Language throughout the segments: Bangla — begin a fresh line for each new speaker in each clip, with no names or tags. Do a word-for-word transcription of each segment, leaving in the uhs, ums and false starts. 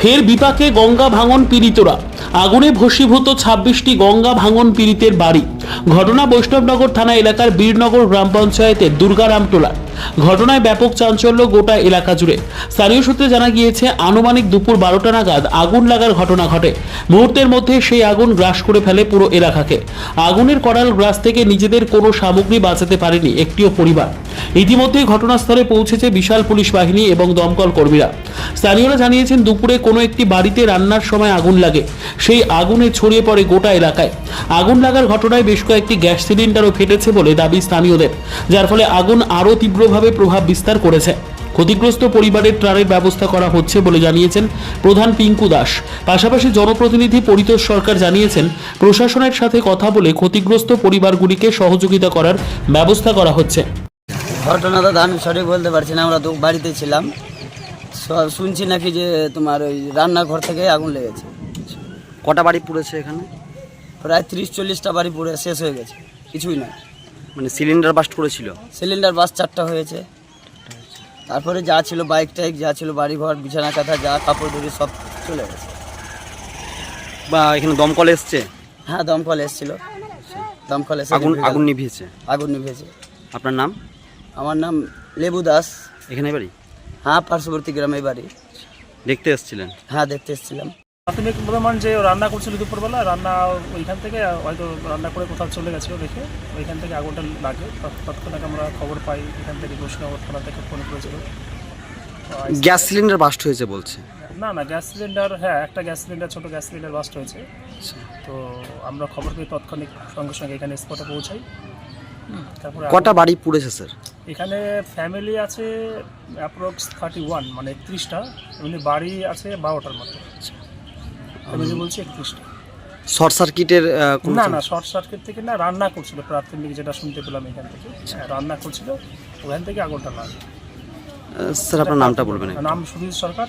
ফের বিপাকে গঙ্গা ভাঙন পীড়িতরা। আগুনে ভস্মীভূত ছাব্বিশটি গঙ্গা ভাঙন পীড়িতের বাড়ি। ঘটনা বৈষ্ণবনগর থানা এলাকার বীরনগর গ্রাম পঞ্চায়েতের দুর্গারামটোলা। ঘটনায় ব্যাপক চাঞ্চল্য গোটা এলাকা জুড়ে। স্থানীয় সূত্রে জানা গিয়েছে, আনুমানিক দুপুর বারোটা নাগাদ আগুন লাগার ঘটনা ঘটে। মুহূর্তের মধ্যে সেই আগুন গ্রাস করে ফেলে পুরো এলাকাকে। আগুনের করাল গ্রাস থেকে নিজেদের কোনো সামগ্রী বাঁচাতে পারেনি একটিও পরিবার। ইতিমধ্যেই ঘটনাস্থলে পৌঁছেছে বিশাল পুলিশ বাহিনী এবং দমকল কর্মীরা। স্থানীয়রা জানিয়েছেন, দুপুরে কোনো একটি বাড়িতে রান্নার সময় আগুন লাগে। সেই আগুনে ছড়িয়ে পড়ে গোটা এলাকায়। আগুন লাগার ঘটনায় বেশ কয়েকটি গ্যাস সিলিন্ডারও ফেটেছে বলে দাবি স্থানীয়দের, যার ফলে আগুন আরও তীব্রভাবে প্রভাব বিস্তার করেছে। ক্ষতিগ্রস্ত পরিবারের ত্রাণের ব্যবস্থা করা হচ্ছে বলে জানিয়েছেন প্রধান পিঙ্কু দাস। পাশাপাশি জনপ্রতিনিধি পরিতোষ সরকার জানিয়েছেন, প্রশাসনের সাথে কথা বলে ক্ষতিগ্রস্ত পরিবারগুলিকে সহযোগিতা করার ব্যবস্থা করা হচ্ছে।
ঘটনাটা আমি সঠিক বলতে পারছি না, আমরা তো বাড়িতে ছিলাম। শুনছি নাকি যে তোমার ওই রান্নাঘর থেকে আগুন লেগেছে।
কটা বাড়ি পুড়েছে এখানে?
প্রায় ত্রিশ চল্লিশটা বাড়ি পুড়ে শেষ হয়ে গেছে, কিছুই না।
মানে সিলিন্ডার বাস্ট করেছিল?
সিলিন্ডার বাস চারটা হয়েছে। তারপরে যা ছিল বাইক টাইক যা ছিল বাড়িঘর বিছানা কাঁথা যা কাপড় ধরে সব চলে গেছে।
বা এখানে দমকল এসছে?
হ্যাঁ, দমকল এসেছিল। দমকল এসে
আগুন আগুন নিভিয়েছে?
আগুন নিভিয়েছে।
আপনার নাম?
আমার নাম লেবু দাস।
এখানে বাড়ি?
হ্যাঁ, পার্শ্ববর্তী গ্রামে বাড়ি।
দেখতে এসেছিলেন?
হ্যাঁ, দেখতে এসেছিলাম।
প্রাথমিক অনুমান যে রান্না করছিল দুপুরবেলা, রান্না ওইখান থেকে হয়তো রান্না করে কোথাও চলে গেছিলো রেখে, ওইখান থেকে আগুনটা লাগে। তৎক্ষণাৎ আমরা খবর পাই, এখান থেকে বৈষ্ণবনগর থানা থেকে ফোন করেছিল।
গ্যাস সিলিন্ডার বাস্ট হয়েছে বলছে?
না না, গ্যাস সিলিন্ডার, হ্যাঁ একটা গ্যাস সিলিন্ডার, ছোটো গ্যাস সিলিন্ডার বাস্ট হয়েছে। তো আমরা খবর পেয়ে তৎক্ষণিক সঙ্গে সঙ্গে এখানে স্পটে পৌঁছাই। তারপরে
কটা বাড়ি পুড়েছে স্যার
এখানে? ফ্যামিলি আছে অ্যাপ্রক্স থার্টি ওয়ান, মানে একত্রিশটা। এমনি বাড়ি আছে বারোটার মতো। আমি যে বলছি একত্রিশটা।
শর্ট সার্কিটের?
না না, শর্ট সার্কিট থেকে না, রান্না করছিল প্রাথমিক যেটা শুনতে পেলাম এখান থেকে। রান্না করছিল, ওখান থেকে আগুনটা লাগে।
স্যার আপনার নামটা বলবেন?
নাম সুধীর সরকার।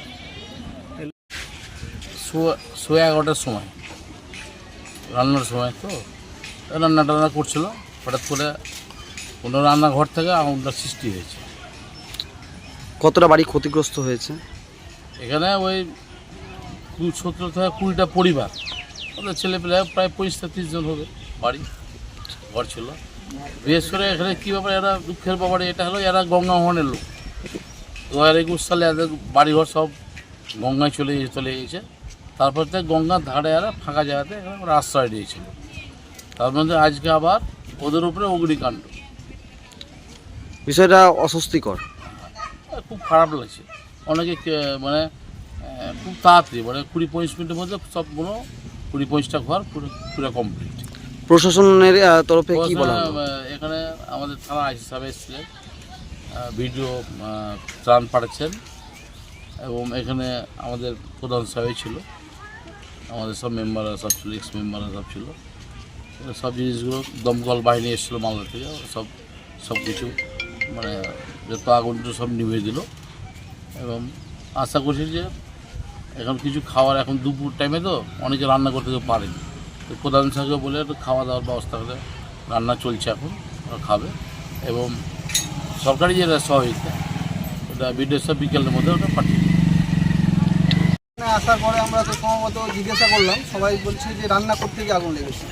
সোয়া এগারোটার সময় রান্নার সময়, তো রান্না টান্না করছিল, হঠাৎ করে কোনো রান্নাঘর থেকে আগুনটা সৃষ্টি হয়েছে।
কতটা বাড়ি ক্ষতিগ্রস্ত হয়েছে?
এখানে ওই সতেরো থেকে কুড়িটা পরিবার, ওদের ছেলেপেলে প্রায় পঁচিশ তিরিশ জন হবে বাড়ি ঘর ছিল। বিশেষ করে এখানে কী ব্যাপার, এরা দুঃখের ব্যাপারে এটা হলো, এরা গঙ্গা মোহনের লোক। দু হাজার একুশ সালে এদের বাড়িঘর সব গঙ্গায় চলে চলে গিয়েছে। তারপর থেকে গঙ্গার ধারে এরা ফাঁকা জায়গাতে ওরা আশ্রয় দিয়েছিল। তার মধ্যে আজকে আবার ওদের উপরে অগ্নিকাণ্ড।
বিষয়টা অস্বস্তিকর,
খুব খারাপ লাগছে। অনেকে মানে খুব তাড়াতাড়ি, মানে কুড়ি পঁচিশ মিনিটের মধ্যে সবগুলো কুড়ি পঁচিশটা ঘর পুরো পুরো কমপ্লিট।
প্রশাসনের তরফে কি বলা হলো?
এখানে আমাদের থানা আইসি সাহেব এসেছিলেন, ভিডিও ত্রাণ পাঠাচ্ছেন, এবং এখানে আমাদের প্রধান সাহেব ছিল, আমাদের সব মেম্বাররা সব ছিল, এক্স মেম্বাররা সব ছিল। সব জিনিসগুলো দমকল বাহিনী এসেছিলো মালদা থেকে, সব সব কিছু মানে যত আগুনটা সব নিভিয়ে দিল। এবং আশা করছি যে এখন কিছু খাওয়ার, এখন দুপুর টাইমে তো অনেকে রান্না করতে পারেনি, তো প্রধান সাহেবকে বলে একটু খাওয়া দাওয়ার ব্যবস্থা করে রান্না চলছে, এখন ওরা খাবে। এবং সরকারি যে সহযোগিতা, ওটা বিডিও সাহেব বিকেলের মধ্যে ওটা পাঠিয়ে দেবে।
আসার পরে আমরা তো সম্ভবত জিজ্ঞাসা করলাম, সবাই বলছে যে রান্না করতে গিয়ে আগুন লেগেছে।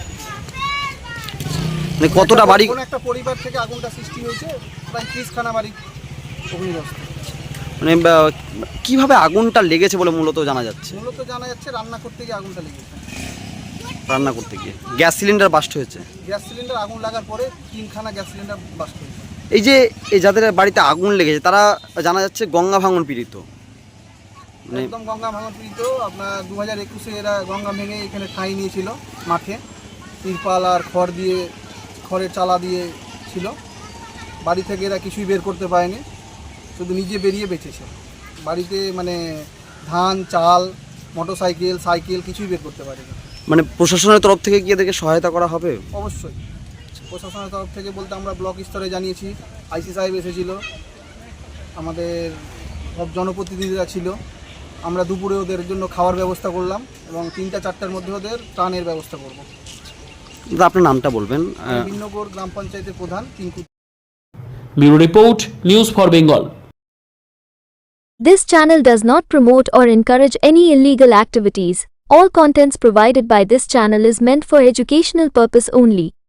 মানে কতটা বাড়ি?
কোন একটা পরিবার থেকে আগুনটা সৃষ্টি হয়েছে, প্রায় ত্রিশখানা বাড়ি অগ্নিগ্রস্ত।
মানে কিভাবে আগুনটা লেগেছে বলে মূলত জানা যাচ্ছে?
মূলত জানা যাচ্ছে রান্না করতে গিয়ে আগুনটা লেগেছে।
রান্না করতে গিয়ে গ্যাস সিলিন্ডার বাস্ট হয়েছে?
গ্যাস সিলিন্ডার আগুন লাগার পরে তিনখানা গ্যাস সিলিন্ডার বাস্ট হয়েছে।
এই যে এই যাদের বাড়িতে আগুন লেগেছে তারা জানা যাচ্ছে গঙ্গা ভাঙন পীড়িত।
একদম গঙ্গা ভাঙন পীড়িত। আপনার দু হাজার একুশে এরা গঙ্গা ভেঙে এখানে ঠাঁই নিয়েছিল মাঠে, তিরপাল আর খড় দিয়ে, খড়ের চালা দিয়ে ছিল। বাড়ি থেকে এরা কিছুই বের করতে পারেনি, শুধু নিজে বেরিয়ে বেঁচেছে। বাড়িতে মানে ধান, চাল, মোটরসাইকেল, সাইকেল কিছুই বের করতে পারেনি।
মানে প্রশাসনের তরফ থেকে কি এদেরকে সহায়তা করা হবে?
অবশ্যই প্রশাসনের তরফ থেকে বলতে আমরা ব্লক স্তরে জানিয়েছি, আইসি সাহেব এসেছিল, আমাদের সব জনপ্রতিনিধিরা ছিল। আমরা দুপুরে ওদের জন্য খাওয়ার ব্যবস্থা করলাম এবং তিনটা চারটার মধ্যে ওদের ত্রাণের ব্যবস্থা করব।
আপনার নামটা বলবেন?
বীরনগর গ্রাম পঞ্চায়েতের প্রধান Pinku.
Bureau report, news for Bengal.
This channel does not promote or encourage any illegal activities. All contents provided by this channel is meant for educational purpose only.